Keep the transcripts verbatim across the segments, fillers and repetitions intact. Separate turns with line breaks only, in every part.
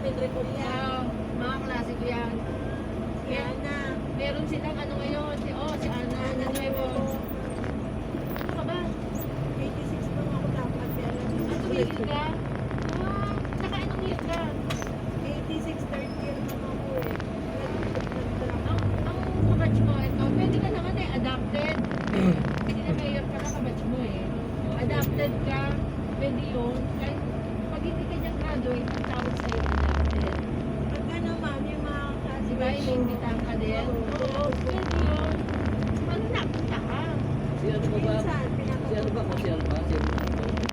namin recall yan.
Ah, mga klase ko yan.
Kaya na.
Meron silang ano ngayon, si, oh, si Ana, ano nuevo. Ano ka ba?
eighty-six lang ako dapat. Pero
Ang tumigil ka? Ah, saka anong year ka?
eighty-six, third year naman ako eh. Nag-drop.
Ang, ang kabatch mo, ito, pwede ka naman eh, adapted. Hindi na mayor ka na kabatch mo eh. Adapted ka, pwede yun. Kahit pag hindi ka dyan graduate, ang tawag sa'yo adapted.
Pagka naman yung mga klase.
Di ba, inimbitahan ka din? Oo, pwede yun. Ano napunta ka?
Si ano ba ba?
Minsan,
Si ano ba? Si ano ba? Si ano ba?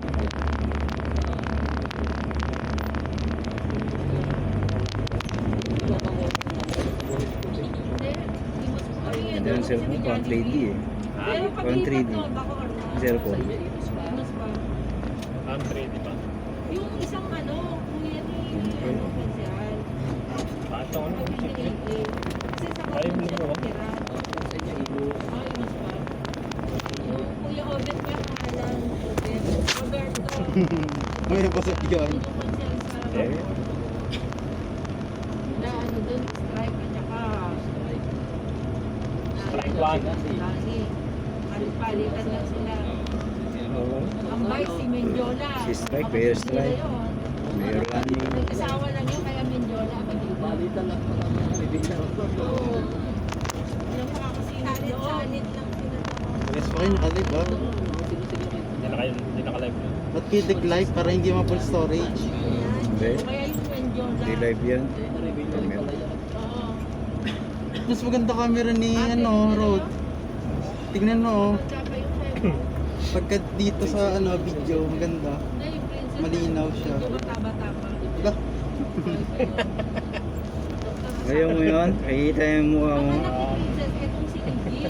Hindi, hindi mo sa
Hindi ang cellphone ko, ang three D eh.
Pero pag
One three D.
lipat doon, bako ano?
Cellphone.
Mas ba?
Ang three D pa.
Yung isang ano, kuya ni ano, Pansyan.
Pato ano?
Pag hindi eighteen. Kasi sa
Ay,
kapatid
hindi
siya
mo.
natira.
Sa inyo, ilo.
Ay, mas ba? Yung kuya Obet ka, pangalan, Obet. Roberto.
May nabasok yun.
Yung Pansyan sa
Eh.
na ano dun, strike at saka
Strike one.
Lani. Palit-palitan lang sila.
Oo.
Ang vice si Mendiola.
Si Strike,
Kapatid
Mayor
nila
Strike.
yun.
Mayor Lani.
Nag-asawa lang yun, kaya Mendiola.
Balitan lang pala mga bibigyan.
Oo. Walang makakasinit doon.
Sanit lang pinatawa.
Yes, okay, nakalip ba?
Hindi na kayo, hindi na ka-live yun.
Ba't kayo live para hindi ma-full storage?
Hindi.
Kaya yung Mendiola.
Hindi live yan.
Oo.
Mas maganda camera ni ano, Rod. Tingnan mo, oh.
Maganda pa yung Memo.
Pagka dito sa ano video, maganda.
Hindi, yung princess.
Malinaw siya.
Medyo mataba-taba.
Lah,
Ngayon mo yun, nakikita yung mukha
Ang
mo.
anak ni princess, etong si Iggy.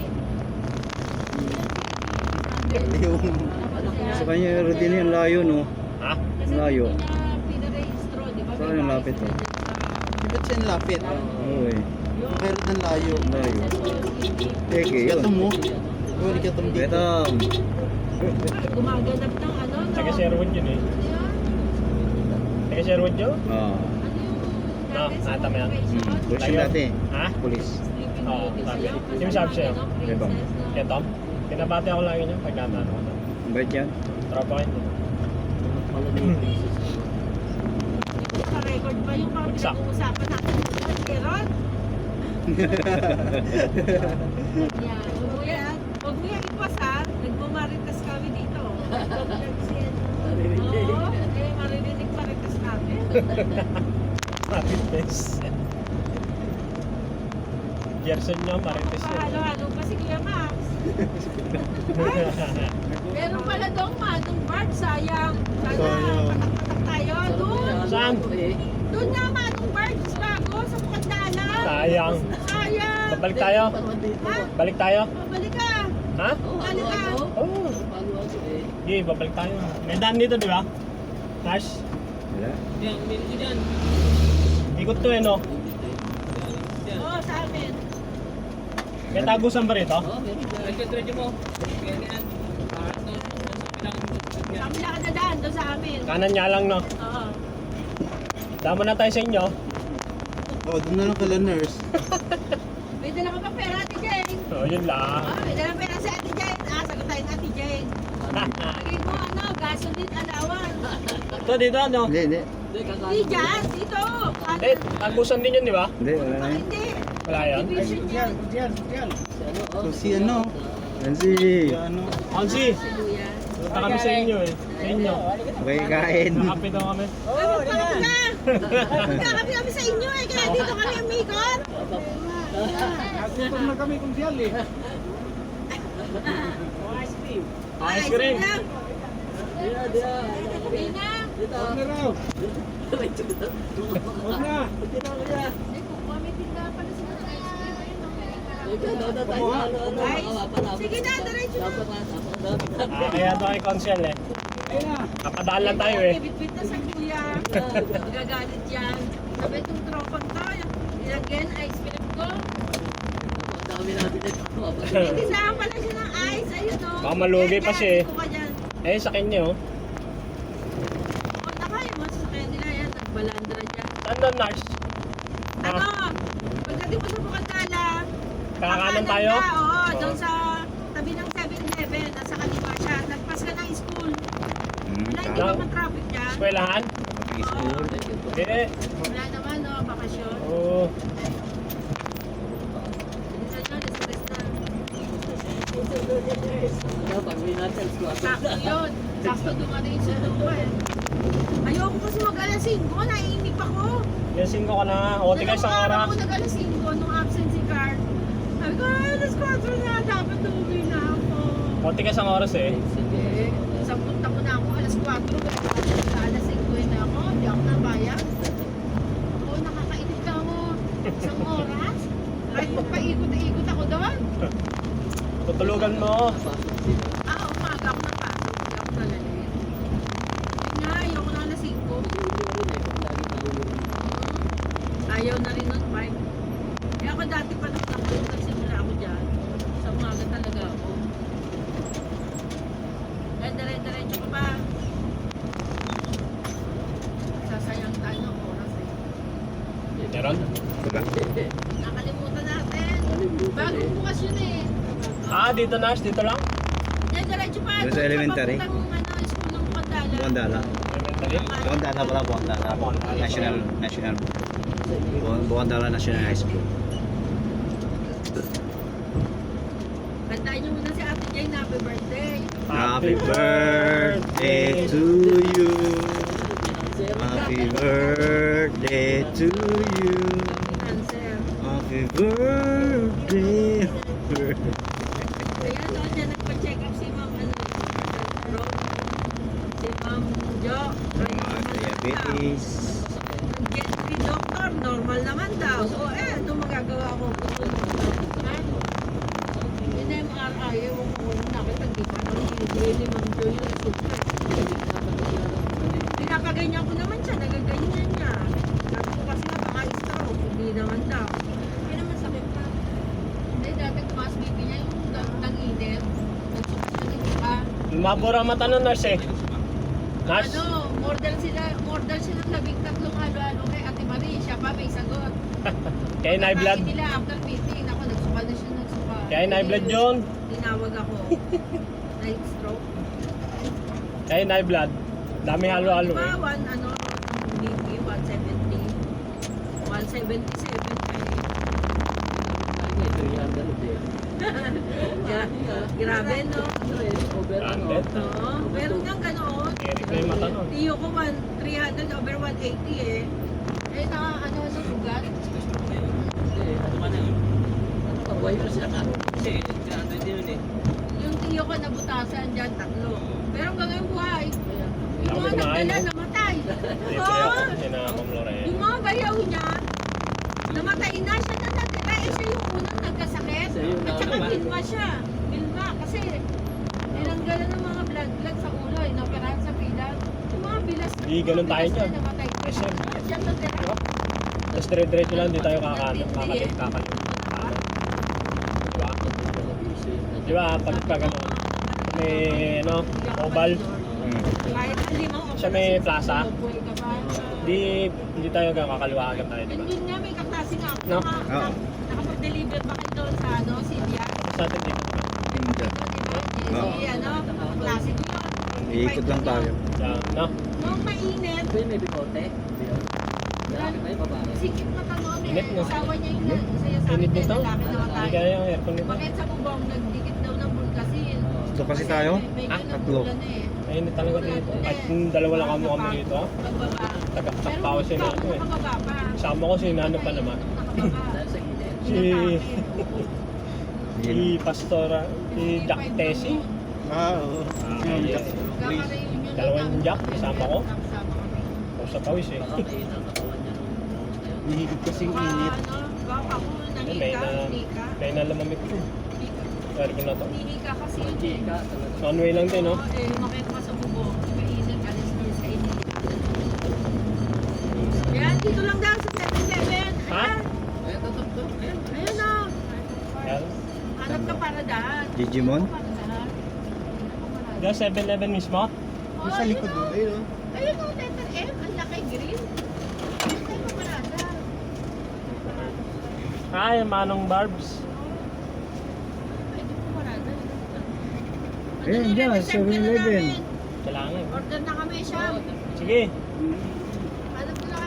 yung
Sa kanya, Rodin yung layo, no?
Ha?
Kasi
Layo.
hindi niya pinarehistro, di ba?
Saan
May
yung
bahay
lapit,
sila
oh?
dyan sa-
di ba't siya ang lapit?
Oo eh.
Yung
Pero ng layo.
Layo.
princess ko, si Iggy.
Teke yun.
Kato mo. Uli ka tong dito.
Betam.
Gumaganap ng ano, no?
Taga Sherwood yun eh.
Ano yun?
Taga Sherwood yun?
Ah.
Ano yung
No,
dati sa
nata mo yan.
Hmm.
corporation?
Pulis
Tayo.
yun dati.
Ha?
Pulis.
Sleeping
Oo,
Beauty
sabi.
sa'yo.
Sino sabi sa'yo?
Ano,
Ibang.
princess na-
Kaya Tom? Pinabati ako lagi niya pag naman ako.
Bait yan.
Tropa kayo.
Pala na yung places.
Hindi ko record ba yung mga
Bagsak.
pinag-uusapan natin doon, Keron? Yan. Huwag mo yan. Huwag mo yan ipas ha. Nagmamaritas kami dito.
Narinig niya eh.
Oo. Eh, maririnig maritas namin.
Marites. Gerson nyo, Marites yun.
Halo-halo pa si Kuya Max. Meron pala doon manong Bart, sayang. Sana
Sayang.
patak-patak tayo. Doon.
Saan?
Doon na manong Bart, bago sa Mukandala.
Sayang.
Sayang.
Babalik tayo?
Ha?
Balik tayo?
Babalik ka.
Ha?
Balik ka.
Oo.
Paano ako eh?
Sige, babalik tayo. May daan dito, di ba? Nash?
Wala.
Ikot to eh, no?
Oo, sa amin.
May tagusan ba rito?
Oo, meron dyan.
Sa amin lang nadaan, doon sa amin.
Kanan niya lang, no?
Oo.
Dama na tayo sa inyo.
Oh, doon na lang kala nurse.
May dala ka pa pera, Ate Jane.
Oo, oh, yun lang.
Ah, may dala pera si Ate Jane. Ah, sagot tayo ng Ate Jane. Lagay mo ano, gasoline allowance.
Ito, dito, no?
Hindi, hindi.
Hindi, kakain.
Hindi dyan, dito. Ano?
Eh, tagusan din yun, di ba?
Hindi, wala na
Ah,
yun.
hindi.
Wala yan.
Division yan.
Si ano, oh.
So si ano,
Nancy.
si ano,
Onsi,
Si Luya.
punta kami sa inyo eh. Sa inyo.
Okay, kain.
Nakapi daw kami.
Oh, magpakapit ka. Magkakapit kami sa inyo eh. Kaya dito kami umikot.
na kami kung siyal eh.
Ice cream.
lang.
Diya, diya.
Hindi na.
Dito.
raw. Huwag na.
Dito ako niya.
Hindi ko, may tindahan pala sila ng ice cream. Ayun, no, may karami.
Ikaw, daw na tayo. Ano, ano,
Guys,
makawapan namin.
sige na, diretso na.
Dapat na, dapat na.
Ah, kaya to kay Consiel eh. Kapadaan lang tayo eh.
Bit-bit na sa kuya. Magagalit yan. Sabi itong tropang to. Ilagyan ice cream ko.
Ang dami natin ito.
Tindahan pala siya ng ice. Ayun o.
Baka malugi pa siya eh.
Ko ka dyan.
Eh, sa kanya oh.
Punta kayo mo sa kanya nila yan. Nagbalandra dyan.
Saan doon, Nars?
Ano? Pagdating mo sa Bukantala,
Kakanan tayo?
ka, oo,
Oo.
doon sa tabi ng seven eleven, nasa kaliwa siya. Nagpas ka ng school.
Hmm,
Wala, hindi
tao.
ba traffic dyan?
Eskwelahan?
School.
Hindi.
Wala naman, no, bakasyon.
Oo.
Minsan yun, stress na.
Ano, pag-uwi natin, squad.
Sakto yun. Sakto dumating sa lupa eh. Ayoko kasi mag-alas singko, naiinip ako.
Yung singko ka na. O, tika isang
Dalawang araw
oras.
ako nag-alas singko nung absentee card. Sabi ko, ay, alas kwatro na, dapat uuwi na ako.
O, tika isang oras eh.
Sige.
Sa punta ko na ako, alas kwatro, alas singko na ako, hindi ako nabayag. Ako, nakakainip ka mo. Isang oras. Kahit magpaikot-ikot ako doon.
Tutulugan mo.
Ah, umaga ako napasok. Hindi ako nalalit. Yun nga, ayoko na alas singko. Ayaw na rin nun, Mike. Kaya ako dati pa nung nung nagsimula ako dyan, sa umaga talaga ako. Kaya dire-diretso ko pa. Sasayang tayo ng oras eh.
Meron?
Diba?
Nakalimutan natin. Bagong bukas yun eh.
Ah, dito, Nars. Dito lang.
Dire-diretso pa.
Doon sa elementary?
Papuntang ano, school ng Bukandala.
Bukandala.
Elementary.
Bukandala pala, Bukandala. National, National. Bu- Bukandala National High School.
Kantahin niyo muna si Ate Jane, happy birthday.
Happy birthday to you. Happy birthday to you.
Answer.
Happy birthday.
Kaya no, dyan nagpa-check up si Ma'am ano, Ro, si Ma'am Jo.
Mga diabetes.
Get si doctor, normal naman daw. O eh, ano magagawa ko? Ano? Yung M R I, ewan ko kung nakita, di pa nang hindi ni Ma'am Jo yung resulta. Pinapaganyan ko naman siya, nagaganyan niya. Sabi ko kasi nga baka stroke, hindi naman daw. Hindi naman sakit pa. Hindi, dati tumaas B P niya yung nag-init. Nagsukas na dito ka.
Lumabura ang mata nun, Nars eh. Nars?
Ano, more than sila, more than sila labing tatlong halo-halo kay Ate Marie. Siya pa may sagot.
Kaya high blood.
Pagkain nila after meeting, ako nagsuka na siya nagsuka.
Kaya high blood yun.
Tinawag ako. Night stroke.
Kaya high blood. Dami halo-halo
Diba,
eh.
one, ano, B P, one seventy. one seventy-seven pa eh. Gra- Grabe, no?
Over ano?
Hundred.
Oo, meron niyang ganoon.
Eric na yung mata nun.
Tiyo ko, one, three hundred over one eighty eh. Eh, naka, ano, ano, sugat?
Pag-uwi mo siya ka. Kasi, graduate din yun eh.
Yung tiyo ko nabutasan dyan, tatlo. Pero hanggang ngayon buhay. Yung
Ako
mga
kumain,
nagdala,
no?
namatay.
Ito
Oo.
yung kasi na Ma'am Lorraine.
Yung mga bayaw niya, namatay na siya na natira. Eh, siya yung unang nagkasakit.
Siya yung
At saka
namatay.
bilma siya. Bilma. Kasi, nilanggalan ng mga blood blood sa ulo. Eh, napirahan sa bilang. Yung mga bilas.
Di, ganun tayo
bilas
dyan.
na namatay.
Eh, sir.
Siya natira.
Diba? Tapos dire-diretso lang, di tayo kakalit. Kakalit, kakalit. Diba? Diba, pag pag ano, may ano, oval.
Hmm.
Kahit limang
Siya may plaza.
Buhay ka pa.
Di, hindi tayo kakaliwa agad tayo, diba?
And yun nga, may kaklase nga ako.
No?
Naka-
Oo.
naka- Nakapag-deliver ba kayo doon sa ano, Silvia?
Sa atin dito.
Hindi.
Si
Oo.
ano, kaklase ko yun.
Iikot lang tayo.
Yan, no?
Nung mainit,
Ito yung may bigote. Lalaki ba yung babae?
sikip na tanong eh.
Init, no?
Asawa niya yung na- saya sa
Init
akin,
nito?
lalaki na
Hindi
matay.
kaya yung aircon nito.
Bakit sa bubong, nagdikit daw ng bulkasin.
Ito kasi tayo.
May
Ah,
ganun
tatlo.
bulan eh.
Mainit talaga dito. Kahit yung dalawa lang kamo kami dito.
Pagbaba.
Tagaktak pa ako si
Pero
Nano eh.
nakababa pa.
Kasama ko si Nano pa naman.
Nakababa.
Dahil sa gilid.
Si, si
Yun.
Pastora, si Jack Tessie.
Ah, oo.
Ah,
Yung
yes.
Jack.
Kaka-reunion
Dalawang
lang
Jack,
namin.
kasama ko.
Kasama kami.
O sa pawis eh.
Baka mainit ang katawan niya nung ngayon.
Hihigit kasing
Baka
init.
ano, baka ako
May
nahika,
na,
hika.
may na lamamit ko. Pwede ko na to.
Hihika kasi yun eh.
Chika, talaga.
One way lang din, no?
Oo, eh, umakit pa sa bubong. Mainit, alis na sa init. Yan, dito lang daw sa seven eleven.
Ha?
Ayan,
Eh, tutok to. Ayan.
ayun na.
Yan.
Hanap ka para daan.
Digimon?
Hanap ka para daan.
Diyan, seven eleven mismo?
Oo,
Yung sa
ayun
likod
na.
doon. Ayun o.
Ayun o, letter M. Ang laki green. Ayun,
Ah, yung Manong Barbs.
Pwede po marada.
Ayun dyan, seven eleven.
Kailangan.
Order na kami siya.
Sige.